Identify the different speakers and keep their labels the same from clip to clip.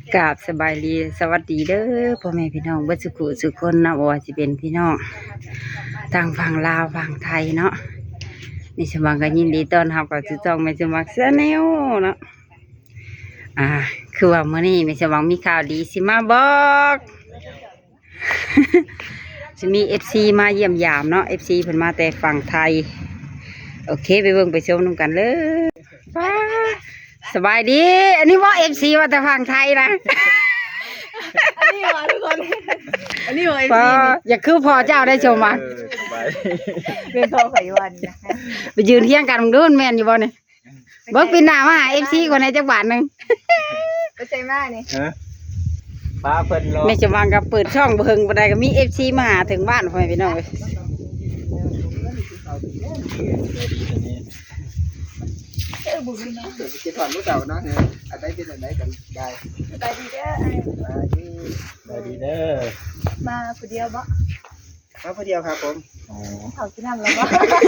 Speaker 1: กราบสบายดีสวัสดีเด้อพ่อแม่พี่น้องเบิดสุขุสุขคนนะบ่ว่าสิเป็นพี่น้องทางฝั่งลาวฝั่งไทยเนาะนี่สมังก็ยินดีต้อนรับกับจุจ้องแม่สมักเสแนวเนาะคือว่ามื้อนี้แม่สมังมีข่าวดีสิมาบอก จะมี FC มาเยี่ยมยามเนาะ FC เพิ่นมาแต่ฝั่งไทยโอเคไปเบิ่งไปชมนำกันเลยว้าสบายดีอันนี้ว่า FC ว่าแต่ฝั่งไทยนะ
Speaker 2: อันนี้เหรอทุกคน อันนี้เหรอไอ
Speaker 1: พอ
Speaker 2: ซี
Speaker 1: อย่าคือพอเจ้าได้ชมมา
Speaker 2: เป็นพ่อไขวันนะ
Speaker 1: ไปยืนเที่ยงกันมึงดูมันแม่นอยู่บ่เนี่ยเบิกปีหน้ามาหา FC คนในจังหวัดนึง
Speaker 2: ไปใช่มากนี่
Speaker 3: ฟ้าเพิ่นรอ
Speaker 1: แม่จะวางกับเปิดช่องเบิ่งบ่ได้ก็มี FC มาหาถึงบ้านพ่อแม่พี่น้องเอ้ย
Speaker 3: คิดถอนรู้เก่าเนาะอันใดเป็นอันใดกันได้
Speaker 2: ไปดีเด้อ
Speaker 3: ได้ดีเด้อ
Speaker 2: มาคนเดียวบ่
Speaker 3: มาพอเดียวครับผม
Speaker 2: เขาที่นั่งแล้วบ่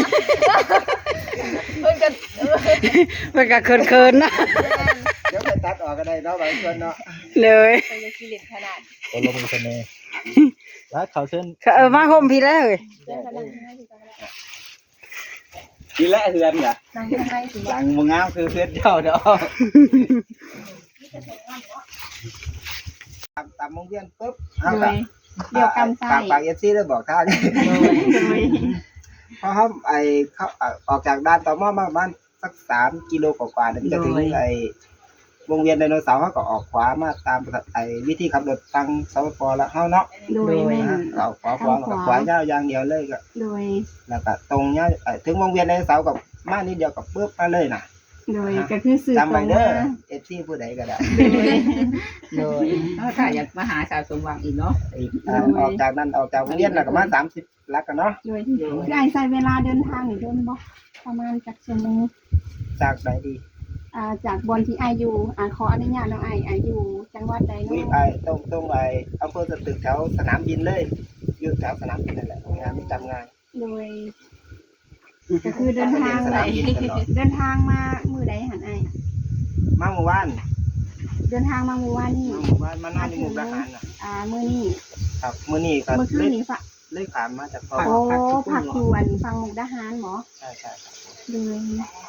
Speaker 2: เพิ่นกัน
Speaker 1: มันก็เคินๆนะ
Speaker 3: เดี๋ยวไปตัดออกก็ได้เนาะบางส่วนเนาะ
Speaker 1: เลย
Speaker 2: เพิ่นจะกิเลสขนาด
Speaker 3: โอ้ลงมือเสน่ห์แล้วเขาเส้น
Speaker 1: มาห่มพี่แล้วเอ้ย
Speaker 2: เรื่องกันนั่งที่ไหนที่กัน
Speaker 3: ทีแรกเฮือนกะ
Speaker 2: นั่งที่ไหนสิ
Speaker 3: หลังมึงงามคือเพื่อนเจ้าเนาะตามมงเวียนปุ๊บเอาละ
Speaker 2: เดียวกำไส้
Speaker 3: ปากเอฟซีได้บอกท่านเพราะเขาเขาออกจากด้านต่อมอมาประมาณสัก3 กิโลกว่าๆเนี่ยจะถึงวงเวียนไดโนเสาร์เขาก็ออกขวามาตามวิธีขับรถทางสปปแล้วเขาเนาะ
Speaker 2: โดยแม่
Speaker 3: ออกขวากับขวายาวอย่างเดียวเลยก็
Speaker 2: โดย
Speaker 3: แล้วก็ตรงเนี้ยถึงวงเวียนไดโนเสาร์กับมานิดเดียวกับปุ๊บมาเลยนะ
Speaker 2: โดยก็คือสื่อ
Speaker 3: จำไว้เด้อเอฟซีผู้ใดก็ได้
Speaker 2: โดย
Speaker 4: ถ้าอยากมาหาสาวสมหวังอีกเนาะ
Speaker 3: ออกจากนั้นออกจากวงเวียนแล้วก็มา30 ลักกันเนาะ
Speaker 2: โดยคือไอ้ใช้เวลาเดินทางนี่โดนบ่ประมาณจักชั่วโมง
Speaker 3: จากไหนดี
Speaker 2: จากบนที่ไออยู่ขออนุญาตน้องไออยู่จังหวัดใด
Speaker 3: วิ
Speaker 2: เนาะ
Speaker 3: ตรงอำเภอสตึกแถวสนามบินเลยอยู่แถวสนามบินนั่นแหละงานจำงาน
Speaker 2: โดยก็คือเดินทาง
Speaker 3: ส
Speaker 2: ไหน
Speaker 3: นามบินตลอด
Speaker 2: เดินทางมามือใดหันไอ
Speaker 3: มาเมื่อวาน
Speaker 2: เดินทางมาเมื่อวานนี่
Speaker 3: มานอนในมุกดาหารน่ะ
Speaker 2: มื้อนี้
Speaker 3: ครับมื้อนี้ก็
Speaker 2: เมื่อคืนนี้ฝะ
Speaker 3: เลยขามมาจากพ่อ
Speaker 2: โอ้ผักควนฟังมุกดาหารหมอ
Speaker 3: ใช่ครับ
Speaker 2: โดย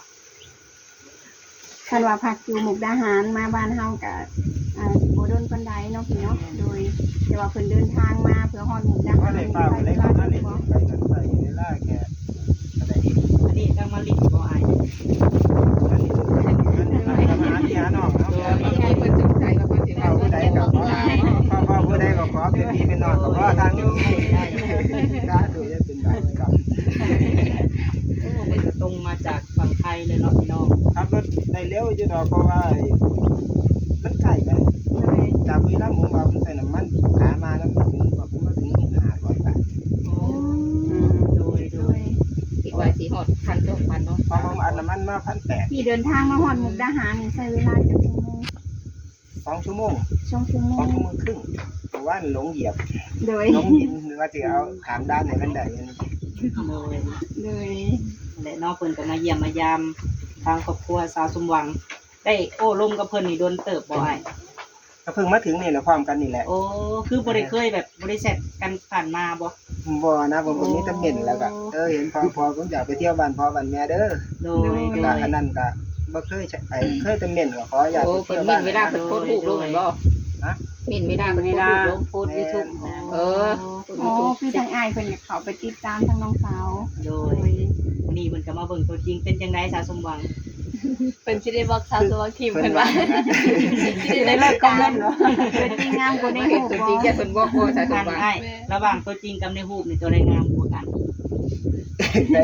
Speaker 2: คันว่าผักอยู่มุกดาหารมาบ้านเฮากับสิบ่โดนปานใดเนาะพี่เนาะโดยแต่ว่าเพิ่นเดินทางมาเพื่อฮอดมุกดา
Speaker 3: ก็
Speaker 2: หาร
Speaker 3: เลยป้าเลย
Speaker 2: ใช้
Speaker 3: มา
Speaker 2: เว
Speaker 3: เลย
Speaker 2: ลา
Speaker 3: ไปกันไปเวลาแกอะไรอีก
Speaker 4: อันนี้ทางมาลิกบ่อาย
Speaker 3: อันนี้ทำอาหารที่หาน้องเนาะ
Speaker 4: นี่ไงเพิ่นสงสัยว่าเพิ่นสิ
Speaker 3: พ่อผู้ใดก็พ่อผู้ใดก็ขอเป็นพี่เป็นน้องก็ขอทางนี้สาธุจะเป็นแบบกับ
Speaker 4: โอ้เพิ่นจะตรงมาจากฝั่งไทยเลยเนาะพี่น้อง
Speaker 3: ขับรถได้เร็วอยู่ดอกเพราะว่ามันใกล้ไปจากวีระหมูมามันใส่น้ำมันขามาแล้วมาถึง500 บาท
Speaker 4: โอ้โดยคิดว่าสิฮอด1,200เนาะ
Speaker 3: พอผมอัดน้ำมันมา1,800
Speaker 2: ที่เดินทางมาฮอดมุกดาหารนี่ใช้เวลาจักชั่วโมง
Speaker 3: 2 ชั่วโมง
Speaker 2: 2 ชั่วโม
Speaker 3: 2
Speaker 2: ง
Speaker 3: ชั่วโมงครึ่งเพราะว่าหลงเหยียบ
Speaker 2: โดย
Speaker 3: หลงดินหรือว่าจะเอาขามด้านไหนมันได้
Speaker 4: โดย
Speaker 2: โดย
Speaker 4: และน้องเพิ่นก็มาเยี่ยมมายามทางครอบครัวสาวสมหวัง ได้โอ้ร่มกับเพิ่นนี่โดนเติบบ่อาย
Speaker 3: ก็เพิ่งมาถึงนี่แหละความกันนี่แหละ
Speaker 4: โอ้คือบ่ได้เคยแบบบ่ได้แซดกันผ่านมาบ่
Speaker 3: บ่นะผมมีตำเห็นแล้วก็เห็นพอผมอยากไปเที่ยวบ้านพ่อบ้านแม่เด้อ
Speaker 4: โดย
Speaker 3: ก็อันนั้นก็บ่เคยเคยตำเห็นก็ขออยาก
Speaker 4: โอ้
Speaker 3: ไป
Speaker 4: เพิ่
Speaker 3: เที่
Speaker 4: น
Speaker 3: ยว
Speaker 4: มี
Speaker 3: บ้าน
Speaker 4: เวลาเพิ่นโพสต์รูปลงแม่นบ่
Speaker 3: ฮะ
Speaker 4: มีเวลาเพิ่นโพสต์รูปลงโพสต์ YouTube เออ
Speaker 2: อ๋อคือทางอ้ายเพิ่นอยากเข้าไปติดตามทางน้องสาว
Speaker 4: โด
Speaker 2: โด
Speaker 4: ย
Speaker 2: ย
Speaker 4: วันนี้เพิ่นก็มาเบิ่งตัวจริงเป็นจังได๋สาวสมหวัง
Speaker 2: เป็นสิได้บอกสาวตัวทีม
Speaker 3: เพิ่
Speaker 2: เพิ่
Speaker 3: น
Speaker 2: น
Speaker 3: ว่า
Speaker 2: ว่าสิได้เลิกคอมเมนต์เนาะเป็นจริงงามกว่าในรูป
Speaker 4: ตัว
Speaker 2: บ่
Speaker 4: จริงแค่เพิ่นบอกว่าสาวสมหวังระหว่างตัวจริงกับในรูปนี่ตัวใดงามกว่ากัน
Speaker 3: ได้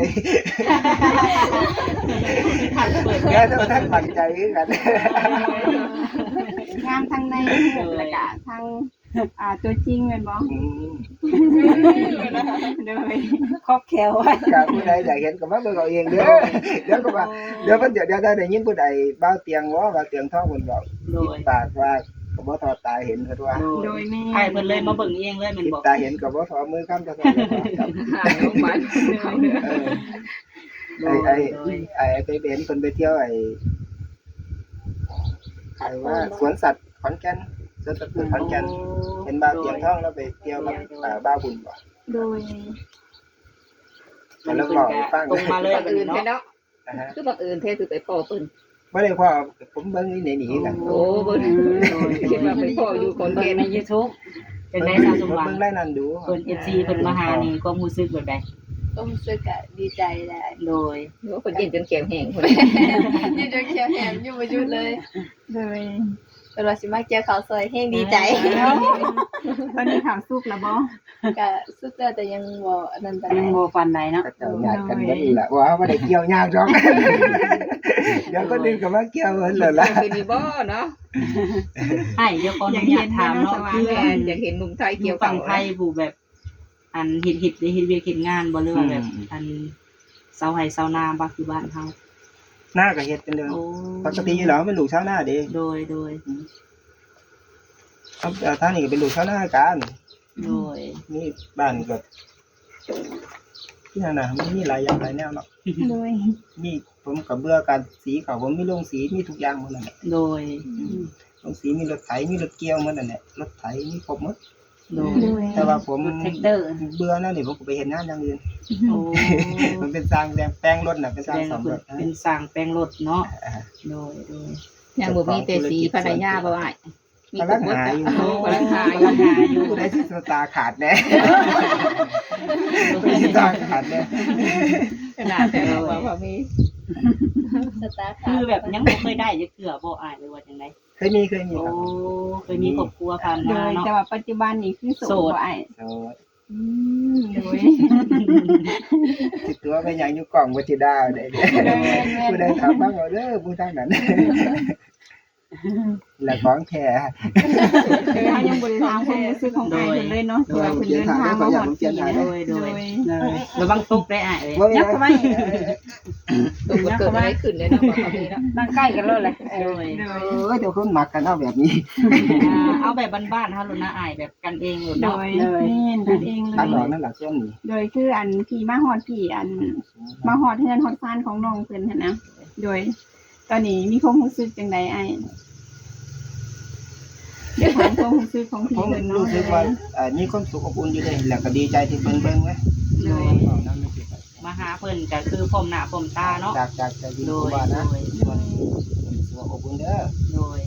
Speaker 4: ท่านเปิด
Speaker 3: แค่ต้องท่านปันใจคือกัน
Speaker 2: งามทั้งในรูปแล้วก็ทั้งตัวจริงแม่นบ่
Speaker 3: อืม
Speaker 2: โดย
Speaker 1: ครอบแขวไว้
Speaker 3: ก็ผู้ใดอยากเห็นก็มาเบิ่งเอาเองเด้อเดี๋ยวก็ว่าเดี๋ยวได้ยินผู้ใดบ้าเตียงว่าเตียงทองเพิ่นบอก
Speaker 4: โดย
Speaker 3: ปากว่าก็บ่ทอดตาเห็นเพิ่นว่า
Speaker 2: โดยแม่
Speaker 4: ไอ้เพิ่นเลยมาเบิ่งเองเลยแม่นบอก
Speaker 3: ตาเห็นก็บ่ทอมือค้ำตาทอ
Speaker 4: โรงพยาบาล
Speaker 3: ไปเห็นคนไปเที่ยวว่าสวนสัตว์ขอนแก่นสวนสัตว์เปิดขอนแก่นเป็นบ้าวเตียงทองแล้วไปเที่ยวกับบ้าวบุญบ่
Speaker 2: โดย
Speaker 3: แล้วบอกให้ฟัง
Speaker 4: ตรงมาเลย
Speaker 5: บัง
Speaker 4: แบบ
Speaker 5: เอิญ
Speaker 4: นี้
Speaker 5: แท้
Speaker 4: เนาะ
Speaker 5: เนาะ
Speaker 3: นะฮะ
Speaker 5: คือบังเอิญแท้คือไปพ่อเพิ่น
Speaker 3: บ่ได้พ่อผมเบิ่งนี่หนีกัน
Speaker 5: โอ้เบิ่งคิดว่าไปพ่ออยู่คน
Speaker 4: เบิ่
Speaker 5: เก่
Speaker 4: ง
Speaker 5: ง
Speaker 4: ใน YouTube เป็นได้สาวสมหวัง
Speaker 3: เบิ่งได้นั่นดู
Speaker 4: เพิ่น FC เพิ่นมาหานี่ก็รู้สึกแบบใด
Speaker 2: ก็รู้สึกอะดีใจแหละ
Speaker 4: โดย
Speaker 5: หรือว่าเพิ่นยินจนแข็งแห้งพุ่น
Speaker 2: ยืนจนเขียวแหมอยู่บ่หยุดเลยเลยเป็นว่าสิมาเจอข้าวซอยแห้งดีใจ
Speaker 6: ตอนนี้ข่าวสุกแล้วบ่
Speaker 2: ก็สุดแล้วแต่ยังบ่อันนั้นปานใด
Speaker 1: ยังบ่ฟันใดเนาะ
Speaker 3: ก็เจ้าญาติกันเบิดนี่แหละว่าบ่ได้เกี่ยวยากหรอกเดี๋ยวคนอื่นก็มาเกี่ยวเพิ่นแล้วล่ะ
Speaker 5: คือนี่บ่เนาะ
Speaker 4: ให้เดี๋ยวขออนุญาตถามเนาะคือ
Speaker 5: แม่อยากเห็นหนุ่มไทย
Speaker 4: อ
Speaker 5: เกี่ย
Speaker 4: ยู่
Speaker 5: ว
Speaker 4: ฝั่งไทยผู้แบบ อันเฮ็ดเวียกเฮ็ดงานบ่หรือว่าแบบ อันเซาไห้เซานาบ่คือบ้านเฮา
Speaker 3: หน้าก็เฮ็ดเป็นเรื่อง
Speaker 4: โอ้
Speaker 3: ปกติอยู่แล้วเป็นลูกชาวนาเด้
Speaker 4: โดย
Speaker 3: ครับท่านนี่ก็เป็นลูกชาวนากัน
Speaker 4: โดย
Speaker 3: นี่บ้านก็ที่นั่นน่ะมันมีหลายอย่างหลายแนวเนาะ
Speaker 2: โดย
Speaker 3: มีผมก็เบื่อการสีเขาผมมีโรงสีมีทุกอย่างหมดนั่นแหละ
Speaker 4: โดย
Speaker 3: โรงสีมีรถไถมีรถเกี่ยวหมดนั่นแหละรถไถมีครบหมด
Speaker 4: โดย
Speaker 2: โดย
Speaker 3: แต่ว่าผม
Speaker 1: แท็กเตอร์
Speaker 3: เบื่อนั่นนี่ผมก็ไปเห็นงานอย่างอื่น
Speaker 4: โอ้
Speaker 3: มันเป็นสร้างแปลงรถน่ะเป็น
Speaker 4: แส
Speaker 3: สร้าง
Speaker 4: ดง
Speaker 3: ส
Speaker 4: ว่า
Speaker 3: มรถ
Speaker 4: เป็นสร้างแปลงรถเนาะ
Speaker 3: อ่า
Speaker 4: โดย
Speaker 5: ยังบ่มีแต่สีภรรยาบ่อ้ายมี
Speaker 3: กำลัง
Speaker 5: หมด
Speaker 3: หาอยู่
Speaker 5: โอ้กำลังหาอยู่
Speaker 4: กำลังหาอยู่
Speaker 3: ผู้ใดสิสตาร์ขาดแน่ผู้ใดสิสตาร์ขาดแน่
Speaker 5: ขนาดแต่ว่าบ่มี
Speaker 2: สตาร์ท
Speaker 4: คือแบบยังบ่เคยได้จักเทื่อบ่อายหรือว่าจังได๋
Speaker 3: เคยมี
Speaker 4: โอ้
Speaker 3: ครับ
Speaker 4: เคยมีครอบครัวผ่าน
Speaker 6: โด
Speaker 4: มาย เนาะ
Speaker 6: แต่ว่าปัจจุบันนี้คือโสดบ่ไอ้
Speaker 3: โอ้
Speaker 6: โดย
Speaker 3: สิตัวเป็นหยังอยู่กล่องบ่สิดาวได้เด้ผู้ใดถามบ้างเอาเด้อผู้ทางนั้นและของแท้
Speaker 6: เขายังบ่ได้ถามความรู้สึกของไอ้เพิ่นเลยเนาะที่ว่าเพิ่นเดินทางมาฮอดปีนะ
Speaker 4: โดย
Speaker 6: โดย
Speaker 4: ระวังตกได้อายเอ้ย
Speaker 3: บ่มี
Speaker 1: ยับ
Speaker 3: หยัง
Speaker 1: เข้ามาอีก
Speaker 5: ตัวมันเกิดอะไรขึ้นเลยเนาะบ่มีเนาะ
Speaker 1: นั่งใกล้กันเลยแหละ
Speaker 4: โดย
Speaker 3: เดี๋ยวคนมักกันเอาแบบนี้
Speaker 4: เอาแบบบ้านๆเฮาโลดนะอายแบบกันเองโลด
Speaker 6: โด
Speaker 4: เนาะ
Speaker 6: ยแม่นกันเองเล
Speaker 3: ตัดดอก
Speaker 6: ย
Speaker 3: นั่นล่ะช่วงนี้
Speaker 6: โดยคืออันพี่มาฮอดพี่อันมาฮอดเฮือนฮอดซานของน้องเพิ่นหั่นนะโดย ตอนนี้มีความรู้สึกจังไดไอ้เดี๋ยวถามความรู้สึกของพี่
Speaker 3: ผม
Speaker 6: เพิ่นเนาะ
Speaker 3: รู้สึกว่ามีความสุขอบอุ่นอยู่เลยแล้วก็ดีใจที่เบิ่งไว้
Speaker 6: โดย
Speaker 4: มาหาเพิ่นก็คือพร้อมหน้าพร้อมตาเนาะ
Speaker 3: จากจะยิน
Speaker 4: โด
Speaker 3: กู
Speaker 4: ย
Speaker 3: ว่านะ
Speaker 4: โดย
Speaker 3: ส่วนอบอุ่นเด้อ
Speaker 4: โดย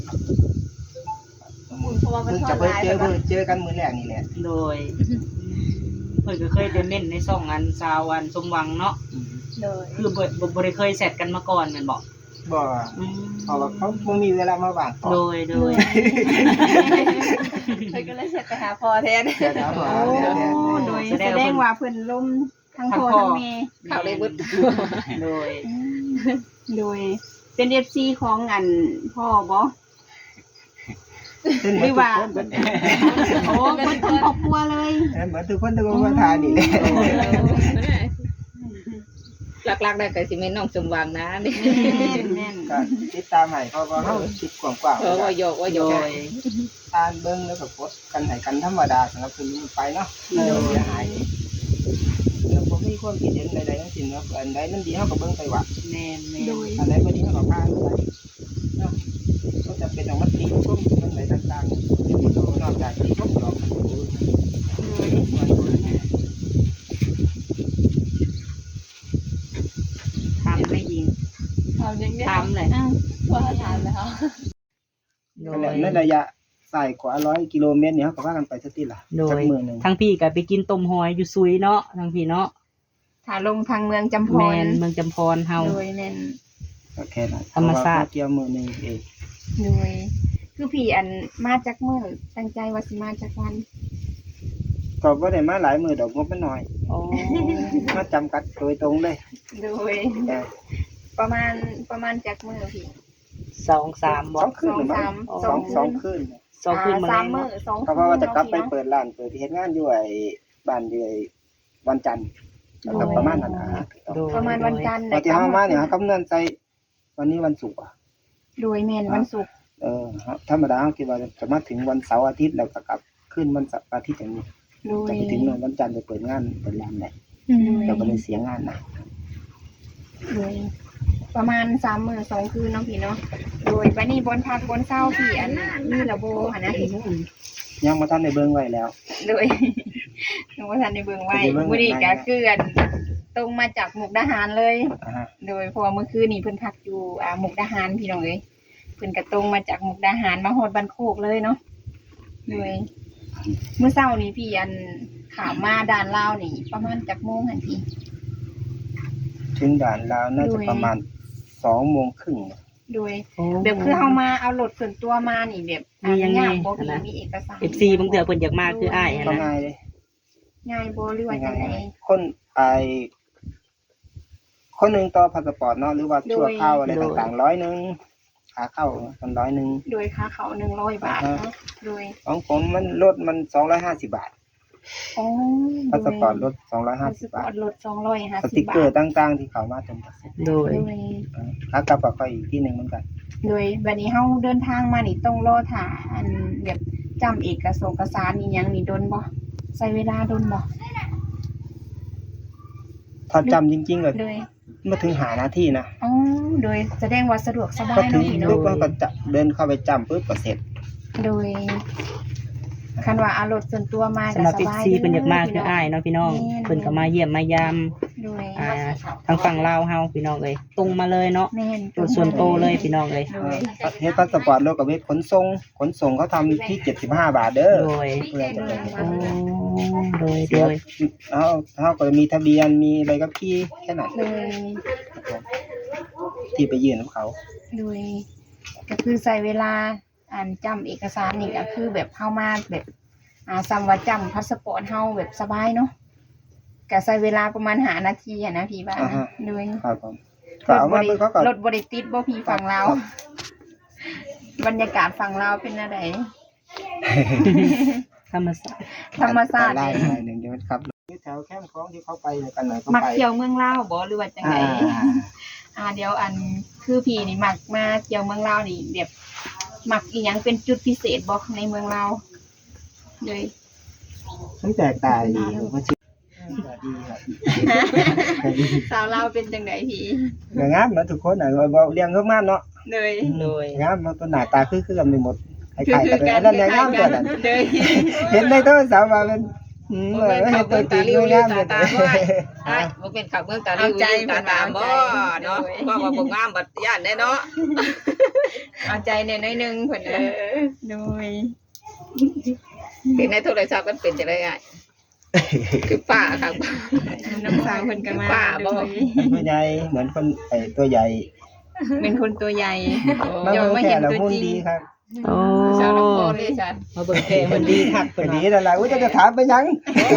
Speaker 2: เพราะว่ามัน
Speaker 3: เพิ่ง
Speaker 2: ทอ
Speaker 3: จะ
Speaker 2: ด
Speaker 3: เพิ่ง
Speaker 2: ลาย
Speaker 3: เจอ
Speaker 2: แบบ
Speaker 3: เจอกันมื้อแรกนี่แหละ
Speaker 4: โดยเพิ่นก็เคยได้เม่นในช่องอันสาวอันสมหวังเนาะ
Speaker 2: โดย
Speaker 4: คือบ่ได้เคยแซดกันมาก่อนแม่นบ่
Speaker 3: บ่
Speaker 4: อืม
Speaker 3: เพราะว่าเขาบ่มีเวลามาว่างตอบ
Speaker 4: โดย
Speaker 2: เพิ่นก็เลยเสร็จไปหาพ่อแทน
Speaker 3: เดี๋ยวนะว่า
Speaker 6: โอ้
Speaker 3: เดี๋ยว
Speaker 6: โดยแสดงว่าเพิ่นล้มทั้งพ่อทั้งแม่
Speaker 5: เข้าเลยเบิด
Speaker 4: โดย
Speaker 6: โดยเป็น FC ของอันพ่อบ่
Speaker 3: เป็นเห
Speaker 6: ห
Speaker 3: มื
Speaker 6: รือ อน ว่า
Speaker 3: ทุกคน
Speaker 6: โอ้เพิ่นทั้งครอบครัวเลย
Speaker 3: เหมือนทุกคนทุกคนมาทานนี่แหละ
Speaker 5: หลักๆได้ก็สิแม่นน้องสมหวังนะนี่
Speaker 6: แม่น
Speaker 3: ก็ติดตามให้เพราะว่าเฮาคิดกว้าง
Speaker 5: เพราะว่าหยอกว่าหย
Speaker 4: โด
Speaker 5: อก
Speaker 4: ย
Speaker 3: ๆอ่านเบิ่งแล้วก็กดกันให้กันธรรมดาสำหรับคนนี้ไปเนาะเดี๋ยวเสียหายแล้วบ่มีความคิดเห็นใดๆทั้งสิ้นเนาะอันใดมันดีเฮาก็เบิ่งไปว่า
Speaker 4: แม่น
Speaker 6: โดย
Speaker 3: อันไหนบ่ดีเฮาก็พานไปเนาะก็จะเป็นของมันติชมมันไหนต่างๆนอกจากที่ชมดอกมันดู
Speaker 4: ทำไม่ยิง
Speaker 2: เอาอย่างเงี้ย
Speaker 4: ทำเลย
Speaker 6: อ้าว
Speaker 2: พ่อถามแล้ว
Speaker 4: โด
Speaker 3: นั่น
Speaker 4: ย
Speaker 3: แหละในระยะสายกว่า100กิโลเมตรเนี่ยเขาก็ว่ากันไปสักทีละ
Speaker 4: โดย
Speaker 3: สักมื้อหนึง
Speaker 4: ทั้งพี่ก็ไปกินต้มหอยอยู่ซุยเนาะทั้งพี่เนาะ
Speaker 6: ถ้าลงทางเมืองจำพ
Speaker 4: แม
Speaker 6: ร
Speaker 4: นเมืองจำพรเฮา
Speaker 6: โดยแม่น
Speaker 3: ก็แค่นั้น
Speaker 4: ธรรมชาติ
Speaker 3: เพะว่เกี่ยวมื้อหนึงเอง
Speaker 6: โดย คือพี่อันมาจากเมื่อตั้งใจว่าสิมาจากวัน
Speaker 3: ก็บ่ได้มาหลายมื้อดอกงบมันน้อย
Speaker 4: โอ้
Speaker 3: มาจำกัดโดยตรงเลย
Speaker 6: โดย
Speaker 3: แต่
Speaker 6: ประมาณจากเมื่อพี่
Speaker 4: 2-3บ่
Speaker 3: สองคืนหรือมั้ง
Speaker 6: สอง
Speaker 3: สองคืน
Speaker 4: 2คืนมา
Speaker 6: สา
Speaker 4: แล้
Speaker 6: ม
Speaker 4: ว
Speaker 6: มื้อ
Speaker 4: เนาะ
Speaker 6: สอง
Speaker 3: เพราะว่าจะกลับไปเปิดร้านเปิดที่เฮ็ดงานอยู่ไอ้บ้านอยู่ไอ้วันจันทร์แล้วก็ประมาณนั้นนะ
Speaker 4: โดย
Speaker 6: ประมาณวันจันทร์
Speaker 3: ตอนที่เฮามาเนี่ยเฮาคำนวณใส่วันนี้วันศุกร์อะ
Speaker 6: โดยแม่นวันศุกร์
Speaker 3: ธรรมดาเฮาคิดว่าจะมาถึงวันเสาร์อาทิตย์แล้วก็กลับขึ้นวันเสาร์อาทิตย์อย่างนี้
Speaker 6: โดย
Speaker 3: จะไปถึงวันจันทร์ไปเปิดงานเปิดร้านได้
Speaker 6: โดย
Speaker 3: เราก็เลยเสียงานนะ
Speaker 6: โดยประมาณ3 มื้อ 2 คืนเนาะพี่เนาะโดยบัดนี้บนพักบนเช้าพี่อันมีระบบหันนะพี่
Speaker 3: ยังบ่ทันได้เบิ่งไว้แล้ว
Speaker 6: โดยยังบ่ทันได้เบิ่งไว้
Speaker 3: จะได้เบิ่ง
Speaker 6: มื้อนี้
Speaker 3: ไว้
Speaker 6: ก็คืออันตรงมาจากมุกดาหารเลย
Speaker 3: อ่าฮะ
Speaker 6: โดยเพราะว่าเมื่อคืนนี้เพิ่นพักอยู่มุกดาหารพี่น้องเอ้ยเพิ่นก็ตรงมาจากมุกดาหารมาฮอดบ้านโคกเลยเนาะโดยเมื่อเช้านี้พี่อันขามมาด่านลาวนี่ประมาณจักโมงหั่นพี่
Speaker 3: ถึงด่านลาวน่าจะประมาณ2:30 น.
Speaker 6: โดยแบบคือเฮามาเอารถส่วนตัวมานี่แบบ
Speaker 4: มียังไง
Speaker 6: ยากบ่
Speaker 4: อันนั้น
Speaker 6: มีเอกสาร
Speaker 4: FC บางเทื่อเพิ่นอยากมาคืออ้ายหัน
Speaker 3: ก็
Speaker 4: นะ
Speaker 3: ง่ายเลย
Speaker 6: ง่ายบ่หรือว่าจังได๋
Speaker 3: คนคนหนึงต่อพาสปอร์ตเนาะหรือว่าชั่วคราวอะไรต่างๆ100 นึงขาเข้ากัน100 นึง
Speaker 6: โดยค่าเขา100 บาทเนาะโดย
Speaker 3: ของผมมันรถมัน250 บาท
Speaker 6: อ๋อ
Speaker 3: พาสปอร์ตรถ
Speaker 6: พาส
Speaker 3: 250
Speaker 6: ปอบ
Speaker 3: า
Speaker 6: ร์
Speaker 3: ท
Speaker 6: ตลด
Speaker 3: ส
Speaker 6: 250
Speaker 3: ติก
Speaker 6: บา
Speaker 3: เกอ
Speaker 6: ท
Speaker 3: ร์ต่างๆที่เขามาเต็มที่
Speaker 4: โดย
Speaker 6: โดย
Speaker 3: ขากลับก็อีกที่หนึงเหมือนกัน
Speaker 6: โดยบัดนี้เฮาเดินทางมานี่ต้องรอถ่าอันแบบจำเอกสารนี่หยังนี่โดนบ่ใช้เวลาโดนบ่
Speaker 3: ถ้าจำจริงๆก็
Speaker 6: โดย
Speaker 3: มาถึงหานาทีนะ
Speaker 6: อ๋อโดยแสดงว่าสะดวกสบา
Speaker 3: ก็
Speaker 6: ย
Speaker 3: ถึ
Speaker 6: เนาะ
Speaker 3: ง
Speaker 6: พี่
Speaker 3: ปุ๊บ
Speaker 6: เนาะ
Speaker 3: ก็จะเดินเข้าไปจำปุ๊บก็เสร็จ
Speaker 6: โดยคันว่าเอารถส่วนตัวมา
Speaker 4: สำหรับ
Speaker 6: ก็สบาย
Speaker 4: FC เพิ่นอยากมาคืออ้ายเนาะพี่น้องเพิ่นก็มาเยี่ยมมายาม
Speaker 6: โดย
Speaker 4: ทางฝั่งลาวเฮาพี่น้องเอ้ยตรงมาเลยเนาะ
Speaker 6: แม่น
Speaker 4: ตัวส่วนโตเลยพี่น้องเอ้ย
Speaker 6: โดย
Speaker 3: เฮ็ดพาสปอร์ตรถกับเวทขนส่งเขาทำที่75 บาทเด้อ
Speaker 4: โดย
Speaker 3: เพื่อจะไป
Speaker 4: โอ้โดย
Speaker 3: เขาก็มีทะเบียนมีใบขับขี่แค่นั้น
Speaker 6: โดย
Speaker 3: ที่ไปยื่นของเขา
Speaker 6: โดยก็คือใช้เวลาอ่านจำเอกสารนี่ก็คือแบบเข้ามาแบบซ้ำว่าจำพาสปอร์ตเฮาแบบสบายเนาะก็ใช้เวลาประมาณ5 นาทีอะนะพี่ว่านะโดย
Speaker 3: ครับผมก็เอามาเพิ่นเขาก็
Speaker 6: รถบ่ได้ติดบ่พี่ฝั่งลาวบรรยากาศฝั่งลาวเป็นอะไร
Speaker 4: ธรรมศาสตร์
Speaker 6: ธรรมชาติ
Speaker 3: ไล่
Speaker 6: นี่
Speaker 3: หน่อยหนึงใช่ไหมครับแถวแคมป์ของที่เขาไปกันหน่อยเขา
Speaker 6: มัก
Speaker 3: ไป
Speaker 6: เที่ยวเมืองลาวบ่หรือว่าจังไดเดี๋ยวอันคือพี่นี่มักมาเที่ยวเมืองลาวนี่แบบมักอีหยังเป็นจุดพิเศษบ่ในเมืองลาวเลย
Speaker 3: มันแตกต่างดีผมว่าชื่อดีครับดี
Speaker 6: สาวลาวเป็นจังไดพี่
Speaker 3: ก็งามเหมือนทุกคนน่ะบ่เลี้ยงเขางามเนาะ
Speaker 6: เลย
Speaker 4: โดย
Speaker 3: งามมันตัวหน้าตาคือกันไปหมดคล้ายๆกันเลยอันนั้นแหละงามกว่านั้น
Speaker 6: เลย
Speaker 3: เห็นในโทรศัพท์ว่ามันเห็นตัวจริงงามเลย
Speaker 5: ใช่บ่เป็นขับเมืองตาลิวตาตามบ่เนาะว่าบ่งามบัดย่านได้เนาะ
Speaker 6: เอาใจแน่น้อยหนึงเพิ่นโดย
Speaker 5: เห็นในโทรศัพท์มันเป็นจังได๋อ่ะคือป้าครับ
Speaker 6: น้ำสาวเพิ่นก็มา
Speaker 5: ป้าบ่
Speaker 6: โดย
Speaker 3: ตัวใหญ่เหมือนคนตัวใหญ่
Speaker 6: เป็นคนตัวใหญ่
Speaker 3: มา
Speaker 6: เดี๋ยว
Speaker 3: เบิ่ง
Speaker 6: มา
Speaker 3: แค่
Speaker 6: เห็น
Speaker 3: ละ
Speaker 6: ตัว
Speaker 3: หุ่น
Speaker 6: จริง
Speaker 3: ดีครับ
Speaker 4: โอ้
Speaker 5: ชาวลำโพงนี่ฉัน
Speaker 4: มาเบิ่งแท้เพิ่นดีคัก
Speaker 3: ก็
Speaker 4: เพิ่น
Speaker 3: ดี
Speaker 4: ว่า
Speaker 3: นั่นล่ะจะถามไปยัง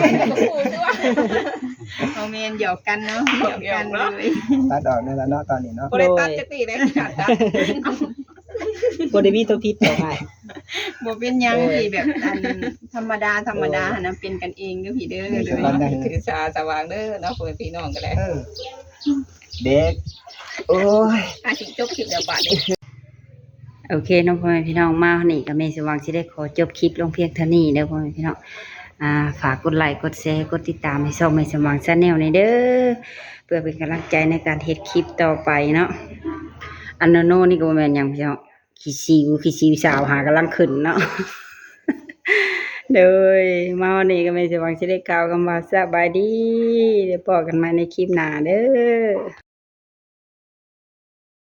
Speaker 6: เอาเมนหยอกกันเนาะหยอกกันเลย
Speaker 3: ตัดออกนั่นล่ะเนาะตอนนี้เนาะ
Speaker 5: บ่ได้ตัดจักทีเลยขาดตัด
Speaker 4: บ่ได้มีตัวผิดต่อไป
Speaker 6: บ่เป็นหยังที่แบบอันธรรมดาหั่นนะเป็นกันเองเด้อพี่เด้อเลย
Speaker 5: ถือสาสว่างเด้อเนาะพ่อแม่พี่น้องก็ได้
Speaker 3: เด็กโอ้ย
Speaker 5: อาสิจบคลิปแล้วบาดนี้
Speaker 1: โอเคน้องพ่อแม่พี่น้องมาวันนี้ก็แม่สว่างสิได้ขอจบคลิปลงเพียงเท่านี้เด้อพ่อแม่พี่น้องฝากกดไลค์กดแชร์กดติดตามให้ช่องแม่สว่าง Channel ในเด้อเพื่อเป็นกำลังใจในการเฮ็ดคลิปต่อไปเนาะอันโนโนนี่ก็บ่แม่นหยังพี่น้องขี้ซิวสาวหากำลังขึ้นเนาะ โดยมาวันนี้ก็แม่สว่างสิได้กล่าวคำว่าสบายดีเดี๋ยวพบกันใหม่ในคลิปหน้าเด้อ